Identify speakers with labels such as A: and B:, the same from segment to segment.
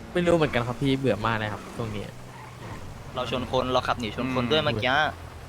A: ไม่รู้เหมือนกันครับพี่เบื่อมากเลยครับตรงนี้
B: เราชนคนเราขับหนีชนคนด้วยเมื่อกี้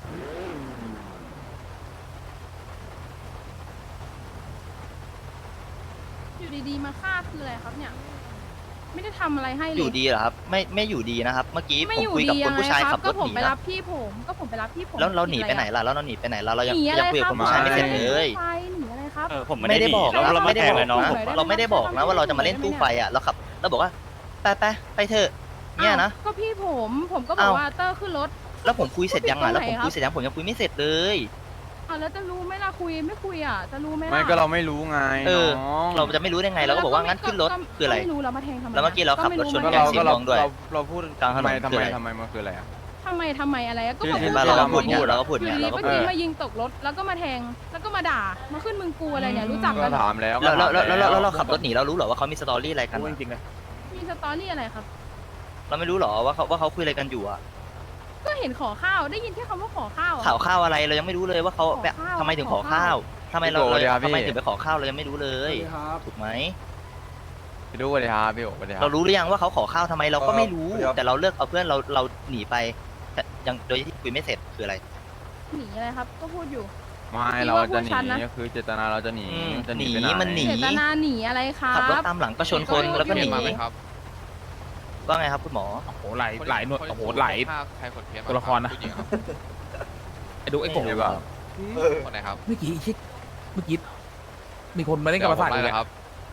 C: อยู่ดีๆมาฆ่าคืออะไรครับเนี่ย ไม่ได้ทำอะไรให้เล
B: อย ยู่ดีเหรอครับไม่อยู่ดีนะครับ เมื่อกี้
C: ไม่
B: ผม
C: อยู่
B: คุย
C: ดี
B: กับค
C: ยั
B: น
C: งไง
B: ผู้ชาย
C: ครั
B: ขั
C: บบ
B: ร
C: ก็
B: ถ
C: ผ
B: ห
C: ม
B: นี
C: ไป
B: นะ
C: รับพี่ผมก็ผมไปรับพี่ผม
B: แล้วเราหนี
C: ผิด
B: ไป
C: อะ
B: ไหน
C: รอะ
B: ล่ะแล้วเราหนีไปไหนล่ะเรายัง
C: หนีอะไร
B: คุย
C: ค
B: กับ
C: รับ
B: คนผู้ชายไม่เสร็จเลย
C: ไฟหนีอะไรครับ
D: ผม
B: ไม่ได้บอก
D: แล้วเรา
B: ไม่
D: ไม่
B: ได้
D: ได้
B: บบ อ
D: อก ก
B: นะ
D: น้อง
B: เราไม่ได้บอกนะว่าเราจะมาเล่นตู้ไฟอ่ะเราขับเราบอกว่าไปเถอะเนี่ยนะ
C: อ้าวก็พี่ผมก็บอก
B: อ้าว
C: ว่าเตอร์ขึ้นรถ
B: แล้วผมคุยเสร็จยังอ่ะ
C: ผิ
B: แล้
C: ด
B: ว
C: ตรง
B: ผม
C: ไหนครับ
B: คุยเสร็จยังผมยังคุยไม่เสร็จเลย
C: อ้าวแล้วจะรู้ไหมล่ะคุยไม่คุยอ่ะจะรู้ไหมล่ะ
E: ไม่ก็เราไม่รู้ไง
B: เออ
E: น้อง
B: เราจะไม่รู้ได้ไงเราก็บอกว่างั้นขึ้นรถคืออะไร
C: ไม่รู้เรามาแทงทำไม
B: แล้วเมื่อกี้เราขับรถชน
C: ก็
B: แก
C: ไม่
B: ง
C: รู้
B: สี
E: เรา
B: ม่วงด้วย
E: เราพูด
B: กลางถนน
E: ทำ
B: คือ
E: ไม
B: อะไร
E: ทำไมมันคืออะไรอ่ะ
C: ทำไมอะไรอะก็
E: คือ
C: บอก
E: เห็น
B: มา
E: ว่า
B: เราก็พูดเนี่ยเราก็พูด
C: อยู่
B: เนี่ย
C: ดี
B: เราก็
C: ก็
B: พูด
C: ทีมายิงตกรถแล้วก็มาแทงแล้วก็มาด่ามาขึ้นมึงกูอะไรเนี่ยรู้จัก
E: ก็
C: กันเหรอ
E: ถามแล้ว
B: แล้วเราขับรถหนีเรารู้เหรอว่าเขามีสตอรี่อะไรกัน
A: พูด
B: อะ
A: จริงๆเลย
C: มีสตอรี่อะไรครับ
B: เราไม่รู้เหรอว่าเขาคุยอะไรกันอยู่อ่ะ
C: ก็เห็นขอข้าวได้ยินแค่คำว่าขอข้าวอะ
B: ข่าวข้าวอะไรเรายังไม่รู้เลยว่าเขาแบบ
C: ขอข้าว
B: ทำไมถึงขอข้าวทำไมเราทำไมถึงไปขอข้าวเรายังไม่รู้เลยถูกไหม
E: พี่ดูสวัสดีครับพี่โอ๋สวัสดีครั
B: เรา
E: บ
B: รู้หรือยังว่าเขาขอข้าวทำไมเราก็ไม่รู้ แต่เราเลือกเอาเพื่อนเราหนีไปแต่ยังโดยที่คุยไม่เสร็จคืออะไร
C: หนีอะไรครับ ก็พูดอยู่
E: ไม่
C: พี่
E: เรา
C: ว่า
E: จะห
C: พวกฉันนะ
E: นีคือเจตนาเราจะหนี
B: อืม
E: จะหนี
B: หนี
E: ไปไหน
B: มันหนี
C: เจตนาหนีอะไรครั
B: ขับรถ
C: บ
B: ตามหลังก็ชนคนแล้วก็หนี
C: มาไหมครับ
B: ว่าไงครับคุณหมอ
A: โอ้โหหลายหน่วยโอ้โหหลาย
D: ใครขนเพชร
A: ตัวละครนะไอ้ดูไอ้โกง
E: ใช่ป่ะ
D: คนไหนครับ
A: เมื่อกี้ชิเมื่อกี้มีคนมาเล่นกับประสาท
D: เล
A: เลย ย
D: ครับ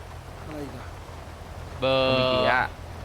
D: เบอ
A: เมื่อกี้
D: ร์
A: อะ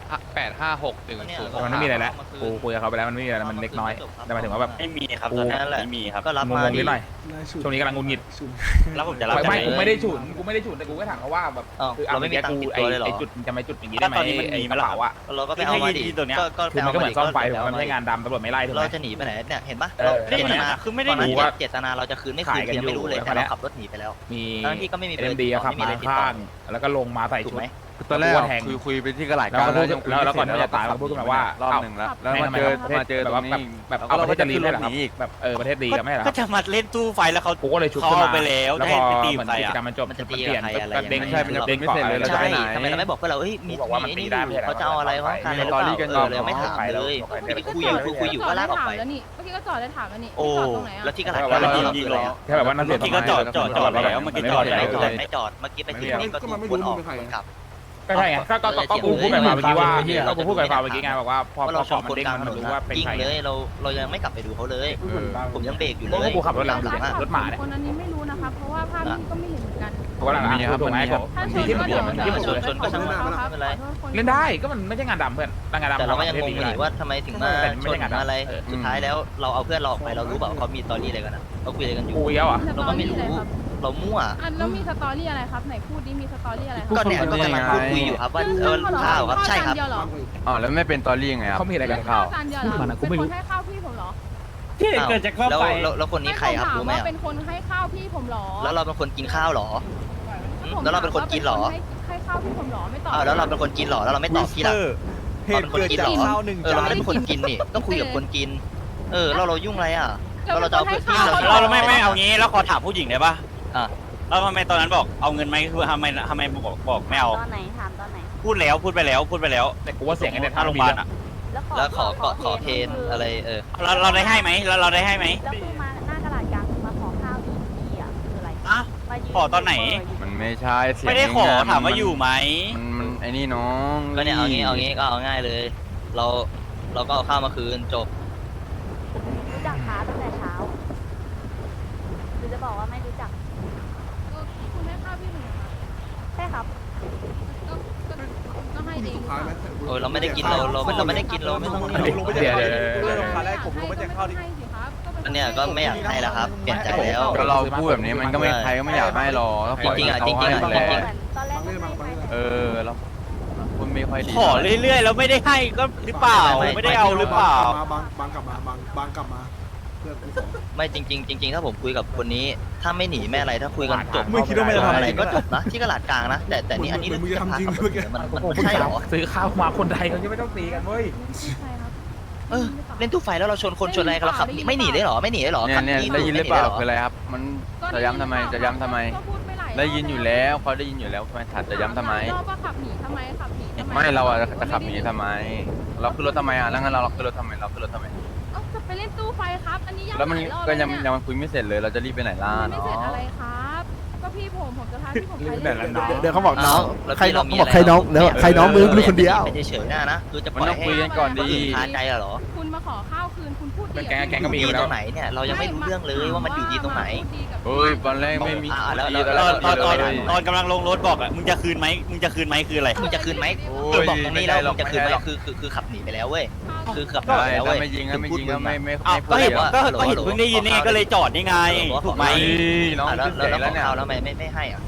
D: 85610
A: แต่มันไม่มีอะไรแล้วกูคุยกับเขาไปแล้วมันไม่มีอะไรมันเล็กน้อยแต่หมายถึงว่าแบบ
F: ไม่มีครับ
A: กู
F: ตอนนี้
B: นั่นแหละ
F: ไม่มีครับ
B: ก็รับ
A: ง
B: มาง
A: ๆ
B: ดิ
A: นิดหน่อยช่วงนี้กำลังงุนงิด
F: แล้วผมจะรับ
A: ไม่
F: ยังง
A: กูไม่ได้ฉุนแต่กูก็ถามเขาว่าแบบ
B: อ้าว
A: คือ
B: เราไม่มีตังค์ติดตัวเลยเหรอ
A: ไอ้จุดจะไม่จุดอย่างนี้ได้ไหม
F: ตอนนี้มัน
A: ไอ้
F: มี
A: ก
F: ไหม
A: ระ
F: ล่ะ
A: เป๋าอะ
B: เราก็ไปเอามาดิ
F: ที่ตัวเนี้ย
B: ก็
A: คือมันก็เหมือนซ่อมไฟ
B: ก็
A: มันไม่ใช่งานดำตำรวจไม่ไล่ถูกไห
B: เรา
A: ม
B: จะหนีไปไหนเนี่ยเห็นปะ
A: เออ
B: เจตนา
F: คือไม่ได้
B: ตอนนั้น
A: หนีว่า
B: เจตนาเราจะคืนไม่คืน
A: ขายกัน
B: ยังไม่รู้เลย
A: อยู่
B: แต่เราขับรถหนีไปแล้ว
A: มี
B: ทั้งที่ก็ไม่มีเบอร์
A: เอ็มดีขับ
B: ไม่มี
A: มา
B: อะไรติดต่อ
A: ข้างแล้วก็ลงมาใส่
B: ถูก
A: ชุด
B: ไหม
E: คือตอนแรก
A: ตัวแทง
E: คุยไปที่กระหลาด
A: แล้วก็พูด
E: ยังคุย
A: แล้วก่อน
E: ไม่
A: ที่
E: เสร็
A: จะตายเราพูดขึ้นมาว่า
E: รอบหนึ่งแล้วแล้วมาเจอตรงนี้อีก
A: แบบเอาประเทศจะรีบได้เหรอครับ
E: เราก็จะขึ้นรถหนีอีก
A: แบบประเทศดีกันไม่เหรอค
F: ก็
A: รับ
F: จะมาเล่นตู้ไฟแล้วเขา
A: กูก็เลยชุด
F: เขา
A: ขึ้น
F: เอา
A: มา
F: ไปแล้ว
A: แล้ว
F: จะ
A: พ
F: ให้
A: อ
F: ไปตี
A: เหมือน
F: ใคร
A: กิจ
F: อ่ะ
A: กรรมมันจบ
B: มันจะ
A: มัน
B: ตี
A: เปลี่ยน
B: กับใครอะไร
A: ก็เด้ง
B: ยังไง
E: ใช่มันจะ
A: เด้ง
E: ไม่
A: เกาะ
E: เสร็จเลย
A: อะไร
E: เราจะไปไหน
B: ทำไมเราไม่บอกเพื่อนเราเอ้ยมี
A: บอกว่ามัน
B: ไอ้
A: ตี
B: นี่
A: ได้
B: อ
A: ไม่ใช่
B: ยู่
A: เหรอ
B: เขาจะเอาอะไรวะการอะไรหรือเปล่า
E: มีสตอรี่กัน
B: เออเลยไม่ถามเลย
A: ก็
B: คุยอยู่ก็ลากออกไป
C: แล้วนี่เมื่อกี้ก็จอดได้ถามแล้วนี่
B: โอ้
C: จอดตรงไหนอะ
B: แล้วที่กระดาษ
E: เรา
B: เรา
E: เรา
B: คืออะไรอะ
A: แค่แบบว่านั่นเสีย
F: เมื่อกี้ก็จอดแล้วเมื่อกี้จอดแล้ว
B: ไม่จอดเมื่อกี้ไปถึงนี่ก็ถูกวนออกวนกลับ
A: ก็ใช่ไงก็กูพูดกับฟาเมื่อกี้ว่าก็กูพูดกับฟาเมื่อกี้ไงบอกว่าพอ
B: ว่าเราช
A: เกาะ
B: น
A: มั
B: คน น
A: เด้ง
B: กลาง
A: มัน
B: ถนน
A: รู้ว่าเป็น
B: จริง
A: ใคร
B: เลยเรายังไม่กลับไปดูเขาเลย ผมยังเบรกอยู่
A: เพ
B: เล
A: ราะว่าย กูขับรถหลังดูเนี่ยรถหมาเนี่ย
C: คนนั้นนี้ไม่รู้นะครับเพราะว่าภาพนี้ก็ไม่เห็นเหมือนกัน
A: กูกำลัง
E: มีครับ
A: ถูกไหม
E: มันมีครับ
C: ถ้าช
A: ที่
C: น
A: ที่
C: ก็
A: มัน
C: เดี๋ยว
A: ที่มัน
B: ชนชนก็ช่างมันไม่เป็นไร
A: เล่นได้ก็มันไม่ใช่งานดำเพื่อนงานดำ
B: แต่เราก็ยังงงอยู่
A: เล
B: นี่ว่าทำไมถึงมาชนอะไร สุดท้ายแล้วเราเอาเพื่อนเราออกไปเรารู้เปล่าว่าเขามีตอรี่อะไรกันนะเขาคุยอะไรกันอยู่
A: กูเยอะอ่ะ
B: เราก็ไม่รู้ เรามั่ว
C: อันแล้วมีสตอรี่อะไรครับไหนพูดดิมีสตอรี่อะไรค
B: ก็
C: รับ
B: เนี่ยก็กำลังพูดคุยอยู่ครับว่าข้าวครับใช่ครับ
C: เดียวเหรอ
E: อ๋อแล้วไม่เป็นตอรี่ยังไงครับ
A: เขามีอะไรกัน
E: ข้าว
C: จานเดียวเหรอ
A: มันอะกูไม่รู้
C: เป็นคนให้ข้าวพี่ผมเหรอ
F: ที่เกิดจากเข้าไป
B: แล้วคนนี้ใครครับรู้ไหม
C: ว่าเป็นคนให้ข้าวพี่ผมเหรอ
B: แล้วเราเป็นคนกินข้าวหรอ แล้วเราเป็นคนกินเหรอ
C: ให้ข้าวพี่ผมเหรอไม่ตอบ
B: แล้วเราเป็นคนกินหรอแล้วเราไม่ตอบพี่ล่ะเราเป็นคนกินหรอเราไม่ได้เป็นคนกินนี่ต้องคุยกับคนกินเรายุ่งอะไรอ่ะเราจะเอาเพื่อนพี่
F: เราไม่เอางี้แล้วขอถามผู้หญิงได้ปะ
B: อ่ะ
F: แล้วทำไมตอนนั้นบอกเอาเงินไหมคือทำไมบอกไม่เอา
G: ตอนไหนถามตอนไหน
F: พูดไปแล้ว
A: แต่กูว่าเสียงไอ้เนี่ย
F: ถ้าโรงพยาบาลอ่ะ
B: แล้วขอเพนอะไร
F: เราได้ให้ไหมเราได้ให้ไหม
G: แล้วคือมาหน้ากระดาษกลางคือมาขอข้าวอีกทีอ่ะคืออะไร
F: อ่ะ
G: มายื
F: ขอตอนไหน
E: มันไม่ใช่เสียง
F: ไม่ได้ขอ
E: ในงน
F: ถามว่าอยู่ไหม
E: มันไอ้นี่น้อง
B: ก็เนี่ยเอางี้ก็เอาง่ายเลย เราก็เอาข้าวมาคืนจบ
G: รู้จักค้าตั้งแต่เช้าหรือจะบอกว่าไม่รู้จัก
C: คุณให้ข้าวพี่ผมเหรอ
G: ใช่ครับ
C: ก็ให้เอง
B: โอ้ยเราไม่ได้กินเราไม่ได้กินเราไม่ต้อง
A: เดี๋ยว
B: อันเนี้ยก็ไม่อยากให้แล้วครับเปลี่ยนใจแล้ว
E: ก็เราพูดแบบนี้มันก็ไม่ใครก็ไม่อยากให้หรอกก็ปล่อย
B: จริงๆอะ
E: ให้เขา
B: จริงๆอะ
E: ให้
B: จริงๆ
E: แหละ
G: ตอนแรกก็ไม่ให้
E: แล้วคุณไม่ค่อยดี
F: ขอเรื่อยๆแล้วไม่ได้ให้ก็หรือเปล่าไม่ได้เอาหรือเปล่า
H: บางกลับมาเพื่อนกูสอง
B: ไม่จริง ถ้าผมคุยกับคนนี้ ถ้าไม่หนีไม่อะไรถ้าคุยกันจบ
A: ไม่คิดว่าไม่จะทำ
B: อะไรก็จบนะที่กระดาษกลางนะแต่นี่อันนี้
H: มึงจะทำจริงเมื่อกี้
B: มันใช่เหรอ
A: ซื้อข้าวมาคนไทยเขาจะไม่ต้องตีกันเว้ย
B: เล่นตู้ไฟแล้วเราชนคนชนอะไรกันเราขับไม่หนีได้หรอไม่หนีได้หรอ
E: เนี่ย
B: ขับ
E: เนี่ย
B: ห
E: ได้ยินหรือเปล่า
B: ไม่
E: คืออะไรครับ มันจะย้ำทำไม
C: ก็พูดไปหลาย
E: ได้ยินอยู่แล้วเขาได้ยินอยู่แล้วทำไมถัดจะย้ำทำไม
C: รอบว่าขับหนีทำไมขับหนีทำไม
E: ไม่เราอะจะขับหนีทำไม เราขึ้นรถทำไมอะแล้วงั้นเราขึ้นรถทำไมเราขึ้นรถทำไม
C: เอ้าจะไปเล่นตู้ไฟครับ อันนี้ยัง
E: แล้วมัน
C: หลายรอบ
E: ก็ยัง
C: แล้ว
E: ยั
C: เนี่
E: งคุยไม่เสร็จเลยเราจะรีบไปไหนล่ะ
C: ไม่เสร็จ
E: เนาะ
C: อะไรครับ ก็พี่ผมจะพาพี่ผมไป
A: เดี๋
C: เล่
A: ยวน แล้ว
H: เดี๋ยวเขาบอกน้อง
B: แล้ว
H: ใคร
B: พี่
H: น้อง
B: มี
H: เขาบอกใครน้องแล้วใครน้องมือลูกคนเดียว
B: ไม่ได้เฉยหน้านะคือจะป
E: มัน
B: ล่อย
E: ต้อง
B: ให้
E: คุยกันก่อนดี
B: คาใจเหรอ
C: คุณมาขอข้าวคืนคุณพูดดี
A: เป็นแก๊ง
C: กับ
A: ก็มี
B: ดี
A: อยู่แล้
B: ต
A: ว
B: รงไหนเนี่ยเรายังไม่รู้เรื่องเลยว่ามันอยู่ดีตรงไหน
E: เฮ้ยตอนแรกไม่มี
B: แล้ว
F: ตอนกำลังลงรถบอกอ่ะมึงจะคืนไหมคืออะไร
B: มึงจะคืนไหม
E: โอ้
B: คือย บอกตรงนี้แล้ว
E: ไม่ได้หร
B: มึ
E: อก
B: งจะคืนไหม
E: ไม่ได้หรอก
B: คือขับหนีไปแล้วเว้ยคือขับหนี
E: ได้
B: ไปแล้ว
E: ถ้า
B: เว้ย
E: ไม่ยิงก็ไม่ยิงก็ไม่
F: อ้าว
E: พู
F: ก็
E: ด
F: เห็น
E: เดี๋ยว
F: ก็เห็นเพิ่งได้ยินนี่ก็เลยจอดนี่ไงถูกไหม
E: เฮ้ยน้อง
B: แล้ว
E: ขึ้นเสียง
B: แล้
E: แล้ว วเนี่ย
B: แล้วไม่ให้อ่ะ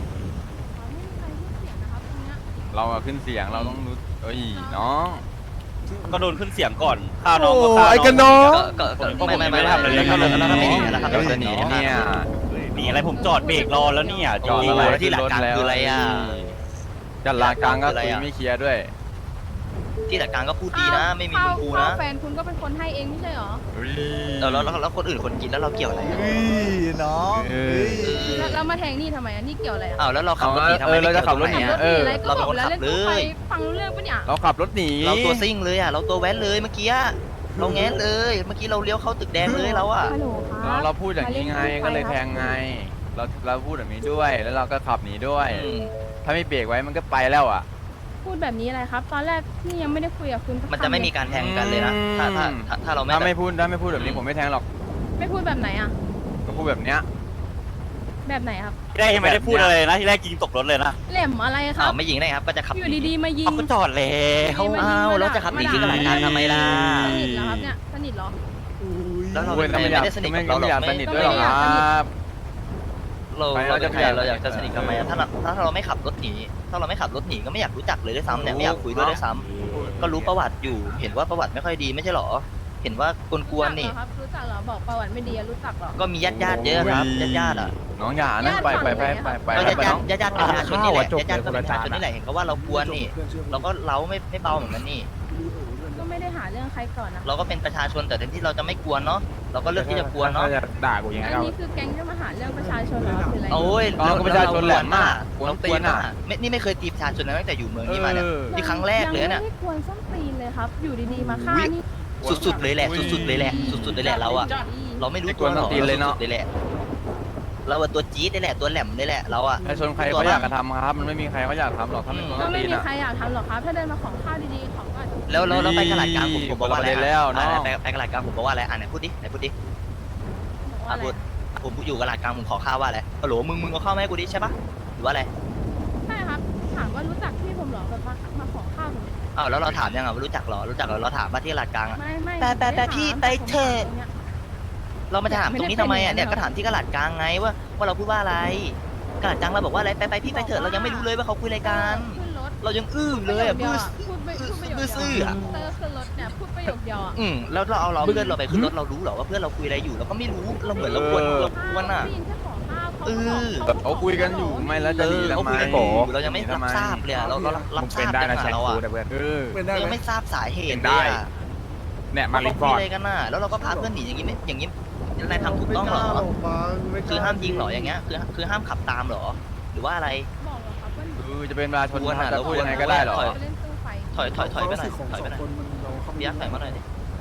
E: เราอะขึ้นเสียงเราต้องรู้เอ้ยน้อง
F: ก็โดนขึ้นเสียงก่อนข้าวน้องก็
H: โอ้
F: ข้าว
H: ไอ้
F: น้
H: กั
F: อน ง
H: น้อง
B: ก็ไม่ทำอะไรเลยแล้วถ้าไม่หนีแล้วครับ
E: เราจะหนีเนี่ย
F: หนีอะไรผมจอดเบรกรอแล้วเนี่ยจ
E: จ
F: อ
E: อ
F: ด
E: ด
B: โอ้
F: อะไร
B: แล้วที่หลักการคืออะไรอ่ะ
E: จัดลากลางก็คุยไม่เคลียร์ด้วย
B: ที่หลักการก็พูดดีนะ ไม่มีมึงกูนะ
C: แฟนคุณก็เป็นคนให้เองไม่ใช่เหรอ
B: แล้วคนอื่นคนกินแล้วเราเกี่ยวอะไรอ่ะ
H: น้อง
C: แล้วมาแทงนี่ทำไมอ่ะนี่เกี่ยวอะไรอ่ะ
B: อ้าวแล้วเราขับรถหนีทำไม
E: เราจะขับรถหนี
C: ขับรถ
E: เอ
C: หนี
E: อ
C: อะไรก็บอกแล้วเล่นตู้ไฟฟังรู้เรื่องปะเนี่ย
E: เราขับรถหนี
B: เราตัวซิ่งเลยอ่ะเราตัวแว้นเลยเมื่อกี้เราแง้เลยเมื่อกี้เราเลี้ยวเข้าตึกแดงเลยเราอ่ะ
C: ฮัลโหลครับ
E: เราพูดอย่างนี้ไงก็เลยแทงไง เราพูดแบบนี้ด้วยแล้วเราก็ขับหนีด้วย ถ้าไม่เบรกไว้มันก็ไปแล้วอ่ะ
C: พูดแบบนี้อะไรครับ ตอนแรกนี่ยังไม่ได้คุยกับคุณสัก
B: มันจะไม่มีการแทงกันเลยนะถ้าเรา
E: ถ้า
B: ไม่
E: ไม่พูดแบบนี้ผมไม่แทงหรอก
C: ไม่พูดแบบไหนอ่ะ
E: ก็พูดแบบเนี้ย
C: แบบไหนครับ
F: ที่แรกยังไม่ได้พูดอะไรเลยนะที่แรกยิงตกรถเลยนะ
C: แหลมอะไรครั
B: อ้า
C: บ
B: วไม่ยิงได้ครับก็จะขับ
C: อยู่ดีๆมายิง
F: เขาก็จอดแล้ว
B: อ้าวเราจะขับหนีที่ตลาดกลางทำไมล่ะ
C: สนิทเหรอครับเนี่ยสนิทเหรอ
B: แล้วเรา
E: โอ้ย
B: ไม่
E: ไม่อยาก
B: ได้สนิท
E: ไม่
B: กับเราหร
E: อยาก
B: อก
E: สนิทด้วยหรอกครับ
B: เราจะเราอยากจะสนิทกันไหมถ้าเราไม่ขับรถหนีถ้าเราไม่ขับรถหนีก็ไม่อยากรู้จักเลยด้วยซ้ำเนี่ยไม่อยากคุยด้วยด้วยซ้ำก็รู้ประวัติอยู่เห็นว่าประวัติไม่ค่อยดีไม่ใช่หรอ เห็นว่ากวนๆนี่
C: รู้จักเหรอบอกประวัติไม่ดีรู้จักเหรอ
B: ก็มีญาติเยอะครับญาติอ่ะ
E: น้องอย่านะไป
B: ก็
E: ไปน้อง
B: ญาติประชาชนนี่แหละญาติประชาชนนี่แหละเห็นเขาว่าเรากวนนี่เราก็เล้าไม่เบาเหมือนกันนี่
C: ก็ไม่ได้หาเรื่องใครก่อนนะ
B: เราก็เป็นประชาชนแต่แทนที่เราจะไม่กวนเนาะเราก็เลือกที่จะกวนเนาะ
A: ถ้าจะด่ากูยังไง
C: อัน
A: ก็
C: นี้คือแก๊งจะมาหาเรื่องประชาชนเหรอคืออะไร
B: โอ้ย
E: เราก็ประชาชนแหลมมาก
B: เราตีนอ่ะนี่ไม่เคยตีประชาชนนะตั้งแต่อยู่เมืองนี้มาเนี่ยนี่ครั้งแรกเลยเนี่ย
C: ยังไม่ได้ควรส้นตีนเลยครับ อยู่ดีๆมาฆ่านี่
B: สุดๆเลยแหละสุดๆเลยแหละสุดๆเลยแหละเราอะเราไม่รู้ตัวหรอกเลยแหละเราตัวจี๊ดเลยแหละตัวแหลมเลยแหละเราอะ
E: ประชาชนใครเขาอยากกระทำครับ มันไม่มีใครเขาอยากทำหรอกถ้าเป็นคน
C: ก็ไม่
E: ตีน
C: มี
E: อ่ะ
C: ใครอยากทำหรอกครับ ถ้าเดินมาของข้าวดีๆของก็อาจจะ
B: แล้วไปกระดาษกลางผมบอกว่าอะไร
E: แล้วเนาะ
B: ไปกระดาษกลางผมบอกว่าอะไรไหนพูดดิ
C: บอกว่าอะไร
B: พูดผมอยู่กระดาษกลางผมขอข้าวว่าอะไรฮัลโหลมึงเอาข้าวมาให้กูดิใช่ปะหรือว่าอะไร
C: ใช่ครับ ถามว่ารู้จักพี่ผมเหรอแบบมาขอข้าวผม
B: อ้าวแล้วเราถามยังอ่ะรู้จักหรอเราถามว่าที่กระดาษกลางอะ
C: ไม่
B: แต่พี่ไปเถอะ เรามาถามตรงนี้ทำไมอ่ะเนี่ยก็ถามที่กระดาษกลางไงว่าเราพูดว่าอะไรกระดาษกลางเราบอกว่าอะไรไปพี่ไปเถอะเรายังไม่รู้เลยว่าเขาคุยอะไรกัน
C: ขึ้นรถ
B: เรายังอื้อเลยอ่ะบื้อ
C: พูดประโยค
B: บื้อซื่ออะ
C: เตอร์ขึ้นรถเนี่ยพูดประโยคเดียวอ่ะ
B: แล้วเราเอาเพื่อนเราไปขึ้นรถเรารู้เหรอว่าเพื่อนเราคุยอะไรอยู่เราก็ไม่รู้เราเหมือนเราควรอ่ะ
C: ได้ยินแค่ขอข้าวเขา
B: เออ
E: เขาคุยกันอยู่ไม่แล้วจะหนีทำไม
B: เรายังไม่รับทราบเลยเรารับ
A: มึง
B: ท
A: เป็
B: ราน บ
A: ได้
B: ได้
A: นะแช
B: ไง
A: ง
B: เรา
A: กู
B: อ่ะ
A: แต่เพื่อน
H: เป็นได้
B: เรา
H: ไหม
B: ยังไม่ทราบสาเหตุ
A: ได้
B: เลยอ่ะ
A: เนี่ยมาริฟอ
B: คุ
A: ร์
B: ย
A: ด
B: อะไรกันน่ะแล้วเราก็พาเพื่อนหนีอย่างนี้นายทำถูกต้องเหรอคือห้ามยิงเหรออย่างเงี้ยคือห้ามขับตามเหรอหรือว่าอะไร
C: บอกเหรอครับว่าหนู
E: จะเป็นประชาชนจะพูดยังไงก็ได้หรอ
C: ไปเล่นตู้ไฟ
B: ถอยไปหน่อยถอยไปหน่อย
H: คนมันเราเข้า
B: เบียร์ถอยมาหน่อยดิ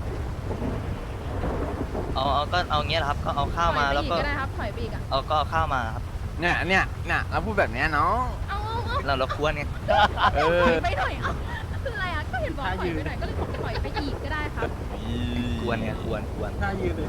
B: ก็เอาเงี้ยครับก็เอาข้าวมาแล้วก็
C: ถอยไปอีก็ได้ครับถอยไปอีกอ่ะ
B: ก็ข้าวมาครับ
E: เนี่ยเราพูดแบบนี้น้อง
C: เอา
B: เราควรไง
E: เอ
C: ถ
E: อ
C: อยไปหน่อยอ่ะคืออะไรอ่ะก็เห็นบอกถอยไปหน่อยก็เลยบอกถอยไปอีกก็ได้ครับ
B: ควรไงควร
H: หน้ายืนเลย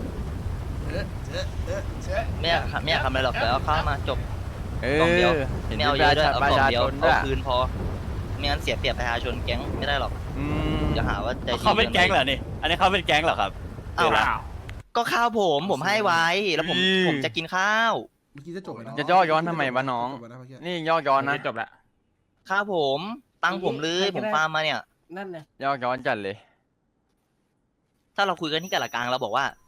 B: ไม่อยากทำอะไรหรอกเดี๋ยวเอาข้าวมาจบ
E: เอ
B: กล่องเดียว
E: อเห็น
B: ไม่
E: เป็
B: เอา
E: น
B: เยอะด้วย
E: ป
B: เอา
E: ระ
B: กล่อง
E: ชา
B: เดียว
E: ชนด้
B: เอา
E: วย
B: คืนพอไม่งั้นเสียเปรียบประชาชนแก๊งไม่ได้หรอก อย่าหาว่าใจดี
F: เขาเป็นแก๊งเหรอนี่อันนี้เขาเป็นแก๊งเหรอครับ
B: เอาละก็ข้าวผมให้ไว้แล้วผมจะกินข้าว
H: เมื่อกี้จะจบแล้ว
E: จะย่อย้อนทำไมวะน้อง นี่ย่อย้อนนะ
A: จบแล้ว
B: ข้าวผมตังค์ผมเลยผมฟาร์มมาเนี่ย
H: นั่นไง
E: ย่อย้อนจัดเลย
B: ถ้าเราคุยกันที่กะละกลางเราบอกว่า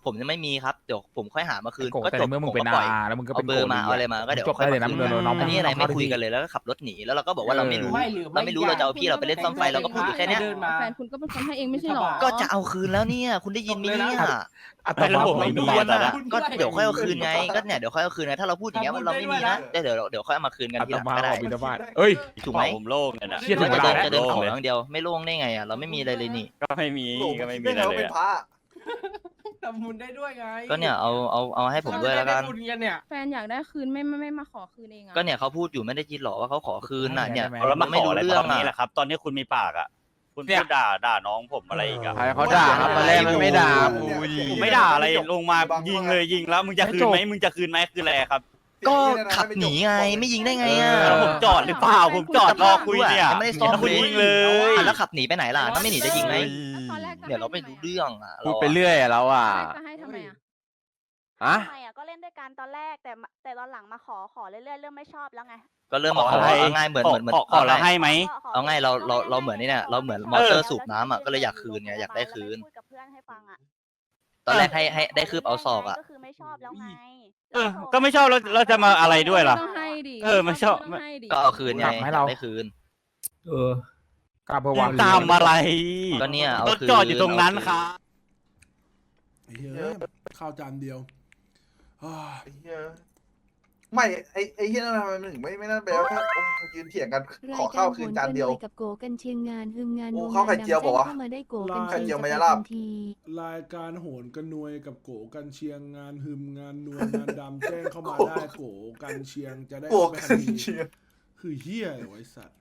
B: ผมจะไม่มีครับเดี๋ยวผมค่อยหามาคืน
A: โก
B: ก็
A: แต่
B: จบ
A: ในเมื่อมึ
B: ผ
A: ง
B: ม
A: เป็น
B: ก็ปล่อย
A: อาแล้วมึงก็
B: เอา
A: เป็น
B: เบอร์มาเอาอะไรมาก็เดี๋ยว
A: จบได้เลยนะมึงน้อง
B: อันนี้อะไรไม่คุยกันเลยแล้วก็ขับรถหนีแล้วเราก็บอกว่าเราไม่รู้เราจะเอาพี่เราไปเล่นซ่อมไฟเราก็พูดอยู่แค่เนี้ย
C: แฟนคุณก็เป็นคนให้เองไม่ใช่หรอ
B: ก็จะเอาคืนแล้วเนี่ยคุณได้ยินไหมเนี่ย
A: แต่ระบบไม่มี
B: วนอ่ะก็เดี๋ยวค่อยเอาคืนไงก็เนี่ยเดี๋ยวค่อยเอาคืนไงถ้าเราพูดอย่างเงี้ยว่าเราไม่มีนะเดี๋ยวค่อยเอามาคืนกัน
A: อั
B: ที
A: ต
B: หลัง
A: มา
B: ก็ได้
A: บินบาตเอ้ย
B: ถูกไหม
F: ผมโล่งเนี่ยนะ
A: เชี่ยถึงเว
B: จะ
A: ลา
B: เดิน
A: แล้ว
B: จะเดินขออย่างเดียวไม่โล่งได้ไงอ่ะเราไม่มีอะไรเลยนี่
F: ก็ไม่มีอะไรเลยอะ
I: ทำบุญได้ด้วยไง
B: ก็เนี่ยเอาให้ผมด้วยแล้วกัน
I: ได้บุญกันเนี่ย
C: แฟนอยากได้คืนไม่มาขอคืนเองอะ
B: ก็เนี่ยเขาพูดอยู่ไม่ได้ยินหรอว่าเขาขอคืนน่ะเนี่ย
F: แล้วมา
B: ไม่
F: ขอ
B: รู้
F: อะไร
B: เรื่
F: ต
B: อ
F: อง นนี้
B: อ่ะ
F: แหละครับ ตอนนี้คุณมีปากอ่ะ คุณพูดด่าน้องผมอะไรอีกอ่ะ
E: ใครเขาด่าครับมาแรกมันไม่ด่ากูดิ
F: ผมไม่ด่าอะไรลงมายิงเลยยิงแล้วมึงจะคืนไหมมึงจะคืนไหมคืออะไรครับ
B: ก็ขับหนีไงไม่ยิงได้ไงอ่ะ
F: แล้วผมจอดหรือเปล่าผมจอดรอคุยเนี่ย
B: ไม่ได้ซ่อม
F: แล้วคุณ
B: เลย
F: ยิงเลย
B: แล้วขับหนีไปไหนล่ะถ้าไม่หนีจะยิงไหม
C: ตอนแรกจะ
B: เดี๋ยวเราไม่รู้เรื่องอ่ะ
E: พูดไปเรื่อยอะเราอ่ะ
C: จะให้ทำไมอะ
E: อะ
G: ทำไมก็เล่นด้วยกันตอนแรกแต่ตอนหลังมาขอเรื่อยๆเริ่มไม่ชอบแล้วไง
B: ก็เริ่มมาขอ
F: อะไร
B: เอาง่ายเหมือน
F: ขอเราให้ไหม
B: เอาง่ายเราเหมือนนี่เนี่ยเราเหมือนมอเตอร์สูบน้ำอ่ะก็เลยอยากคืนไงอยากได้คืน
G: พูดกับเพื่อนให้ฟังอ่ะ
B: ตอนแรกให้ได้คืบเอาศอกอ่ะ
G: ก็คือไม่ชอบแล้วไง
F: ก็ไม่ชอบเราจะมาอะไรด้วยล่ะ
C: ต้องให้ดิ
F: ไม่ชอบ
C: ต้องให้ดิ
B: ก็เอาคืนไง
A: กลับมาให้เรา
B: ได้คืน
A: กล้าเพื่อวาง
F: ตามอะไร
B: ก็เนี่ยเอา
F: รถ
B: คืน
F: จอดอยู่ตรงนั้นครับ
H: ไอ้เหี้ยข้าวจานเดียวอ้าว
J: ไม่ไอ้เฮียนั่นทำไมมันถึงไม่นั่นไปแล้วแค่ยืนเถียงกันขอข้าวคืนจานเดียว
G: กับโกกันเชียงงานฮึมงาน
J: โอ้ข้าวไข่เจียวบอกว่า
G: เข้ามาได้โกกัน
J: ไข่เจียวมายาลาบ
H: รายการโหนกันนวยกับโกกันเชียงงานหึมงานนวลงานดำแจ้งเข้ามาได้โกกันเชียงจะได้
J: โก
H: เอาไป
J: กั
H: ทั
J: น
H: นที
J: เชียร์
H: คือเฮียอะไรวะไอ้สัตว์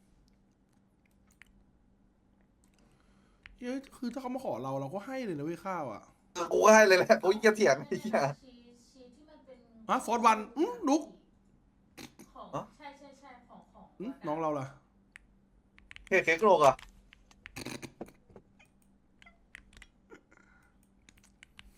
H: เฮ้ยคือถ้าเขามาขอเราก็ให้เลยนะเว้ยข้าวอ่ะ
J: กูก็ให้เลยแหละกูจะเถียงไอ้เหี้ย
H: ฟอร์ดวันดุก
C: ใช่ของ
H: น้องเราล่ะ
J: เค้กโลกอ่ะ